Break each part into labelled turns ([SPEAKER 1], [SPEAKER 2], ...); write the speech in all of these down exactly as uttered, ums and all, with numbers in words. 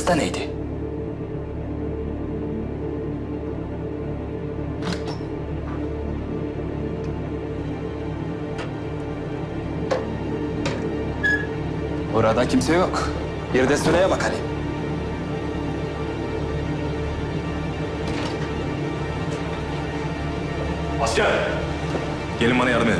[SPEAKER 1] majeste neydi? Burada kimse yok. Bir de sıraya bakalım.
[SPEAKER 2] Asker! Gelin bana yardım edin.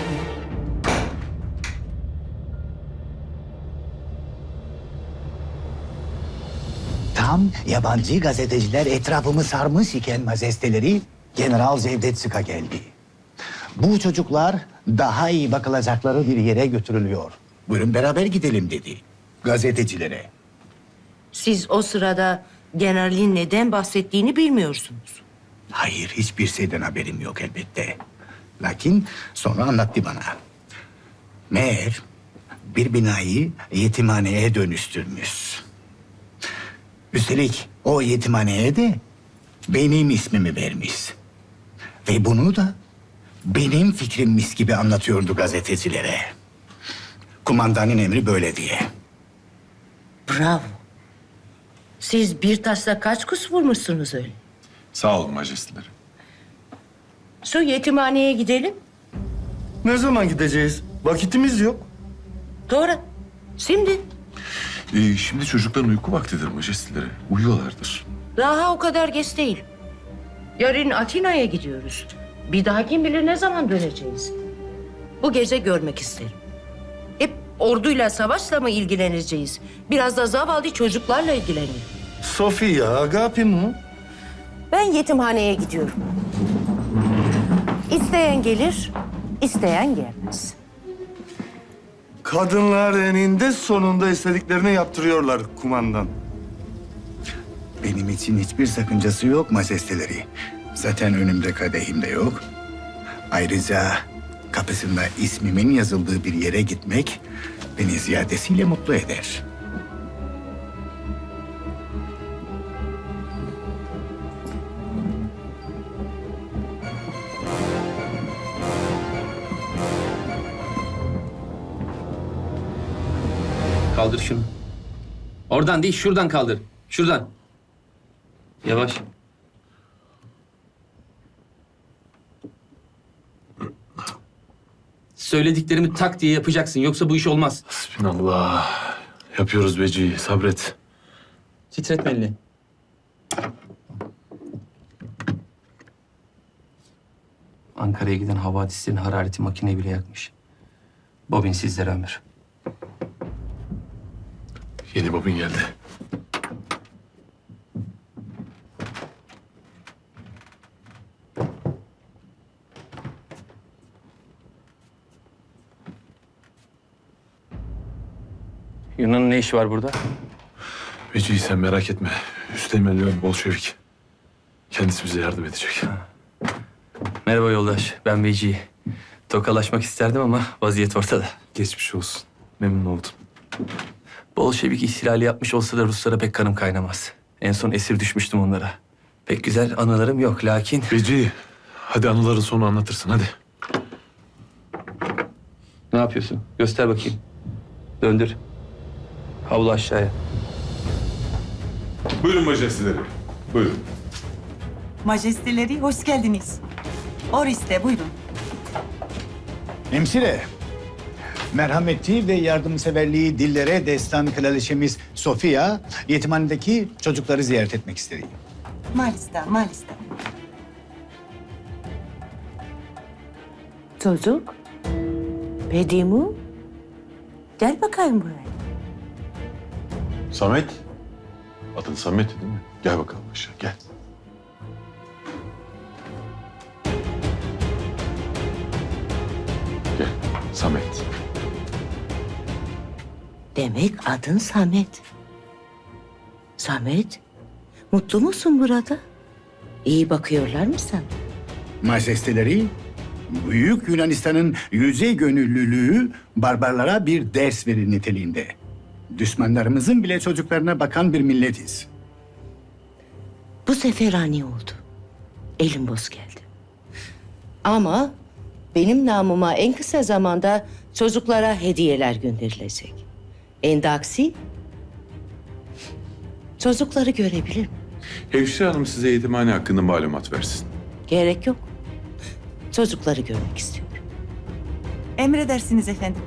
[SPEAKER 3] Tam yabancı gazeteciler etrafımı sarmış iken majesteleri General Cevdet Sık'a geldi. Bu çocuklar daha iyi bakılacakları bir yere götürülüyor. Buyurun beraber gidelim dedi gazetecilere.
[SPEAKER 4] Siz o sırada generalin neden bahsettiğini bilmiyorsunuz.
[SPEAKER 3] Hayır, hiçbir şeyden haberim yok elbette. Lakin sonra anlattı bana. Meğer bir binayı yetimhaneye dönüştürmüş. Üstelik o yetimhaneye de benim ismimi vermiş. Ve bunu da benim fikrimmiş gibi anlatıyordu gazetecilere. Kumandanın emri böyle diye.
[SPEAKER 4] Bravo. Siz bir taşla kaç kuş vurmuşsunuz öyle?
[SPEAKER 2] Sağ olun majesteleri.
[SPEAKER 4] Şu yetimhaneye gidelim.
[SPEAKER 5] Ne zaman gideceğiz? Vakitimiz yok.
[SPEAKER 4] Doğru. Şimdi.
[SPEAKER 2] Ee, şimdi çocukların uyku vaktidir majesteleri. Uyuyorlardır.
[SPEAKER 4] Daha o kadar geç değil. Yarın Atina'ya gidiyoruz. Bir daha kim bilir ne zaman döneceğiz. Bu gece görmek isterim. Hep orduyla, savaşla mı ilgileneceğiz? Biraz da zavallı çocuklarla ilgilenelim.
[SPEAKER 5] Sofia, Agapi mi?
[SPEAKER 4] Ben yetimhaneye gidiyorum. İsteyen gelir, isteyen gelmez.
[SPEAKER 5] Kadınlar eninde sonunda istediklerini yaptırıyorlar kumandan.
[SPEAKER 3] Benim için hiçbir sakıncası yok majesteleri. Zaten önümde kadehim de yok. Ayrıca kapısında ismimin yazıldığı bir yere gitmek beni ziyadesiyle mutlu eder.
[SPEAKER 6] Kaldır şunu. Oradan değil, şuradan kaldır. Şuradan. Yavaş. Söylediklerimi tak diye yapacaksın. Yoksa bu iş olmaz.
[SPEAKER 2] Bismillah. Yapıyoruz Beci, sabret.
[SPEAKER 6] Titretme elini. Ankara'ya giden havadislerin harareti makineyi bile yakmış. Bobin sizlere ömür.
[SPEAKER 2] Yeni bobin geldi.
[SPEAKER 6] Yunan'ın ne işi var burada?
[SPEAKER 2] Beci sen merak etme. Üsteğmen Leon Bolşevik. Kendisi bize yardım edecek.
[SPEAKER 6] Merhaba yoldaş, ben Veci. Tokalaşmak isterdim ama vaziyet ortada.
[SPEAKER 2] Geçmiş olsun. Memnun oldum.
[SPEAKER 6] Bolşevik ihtilali yapmış olsa da Ruslara pek kanım kaynamaz. En son esir düşmüştüm onlara. Pek güzel anılarım yok lakin...
[SPEAKER 2] Beci, hadi anıların sonu anlatırsın hadi.
[SPEAKER 6] Ne yapıyorsun? Göster bakayım. Döndür. Havlu aşağıya.
[SPEAKER 2] Buyurun majesteleri. Buyurun.
[SPEAKER 7] Majesteleri hoş geldiniz. Oriste buyurun.
[SPEAKER 3] Hemşire, merhameti ve yardımseverliği dillere destan kraliçemiz Sofia, yetimhanedeki çocukları ziyaret etmek istedi.
[SPEAKER 7] Malista, malista.
[SPEAKER 4] Çocuk. Bedimu. Gel bakayım buraya.
[SPEAKER 2] Samet. Adın Samet değil mi? Gel bakalım aşağı gel. Gel Samet.
[SPEAKER 4] Demek adın Samet. Samet, mutlu musun burada? İyi bakıyorlar mı sana?
[SPEAKER 3] Majesteleri, Büyük Yunanistan'ın yüce gönüllülüğü barbarlara bir ders verir niteliğinde. Düşmanlarımızın bile çocuklarına bakan bir milletiz.
[SPEAKER 4] Bu sefer ani oldu. Elim boş geldi. Ama benim namıma en kısa zamanda çocuklara hediyeler gönderilecek. Endaksi Çocukları görebilir miyim?
[SPEAKER 8] Hemşire hanım size yetimhane hakkında malumat versin.
[SPEAKER 4] Gerek yok. Çocukları görmek istiyorum.
[SPEAKER 7] Emredersiniz efendim.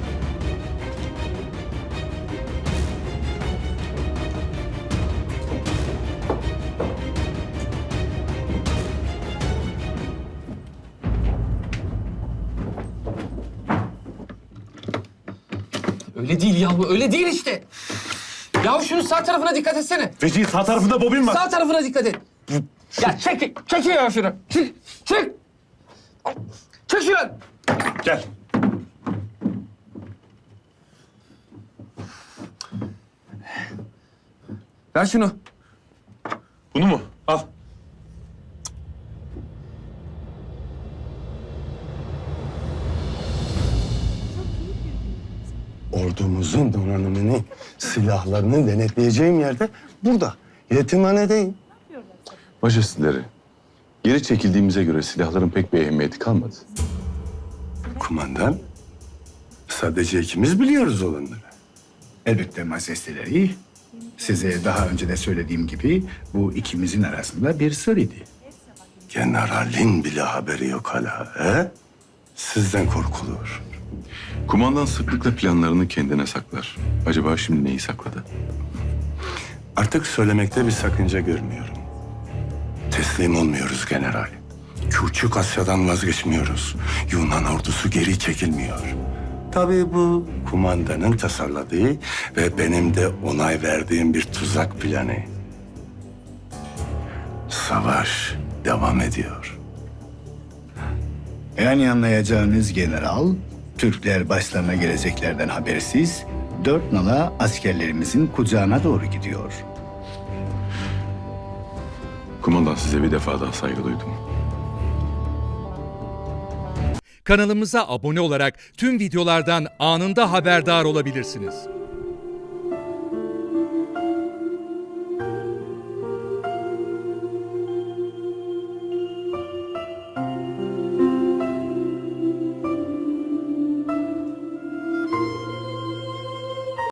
[SPEAKER 6] Öyle değil ya bu, öyle değil işte. Ya şunun sağ tarafına dikkat etsene.
[SPEAKER 2] Vecihi sağ tarafında bobin var.
[SPEAKER 6] Sağ tarafına dikkat et. Ya çek, çek ya şunu. Çek, çek. Çek şunu.
[SPEAKER 2] Gel.
[SPEAKER 6] Ver şunu.
[SPEAKER 2] Bunu mu? Al.
[SPEAKER 9] Ordumuzun donanımını, silahlarını denetleyeceğim yerde burada. Yetimhanedeyim.
[SPEAKER 8] Majesteleri, geri çekildiğimize göre silahların pek bir ehemmiyeti kalmadı.
[SPEAKER 9] Kumandan, sadece ikimiz biliyoruz olanları.
[SPEAKER 10] Elbette majesteleri. Size daha önce de söylediğim gibi bu ikimizin arasında bir sır idi.
[SPEAKER 9] Generalin bile haberi yok hala, he? Sizden korkulur.
[SPEAKER 8] Kumandan sıklıkla planlarını kendine saklar. Acaba şimdi neyi sakladı?
[SPEAKER 9] Artık söylemekte bir sakınca görmüyorum. Teslim olmuyoruz general. Küçük Asya'dan vazgeçmiyoruz. Yunan ordusu geri çekilmiyor. Tabii bu kumandanın tasarladığı ve benim de onay verdiğim bir tuzak planı. Savaş devam ediyor.
[SPEAKER 10] Yani anlayacağınız general, Türkler başlarına geleceklerden habersiz dört nala askerlerimizin kucağına doğru gidiyor.
[SPEAKER 8] Kumandan size bir defa daha saygı duydum.
[SPEAKER 11] Kanalımıza abone olarak tüm videolardan anında haberdar olabilirsiniz.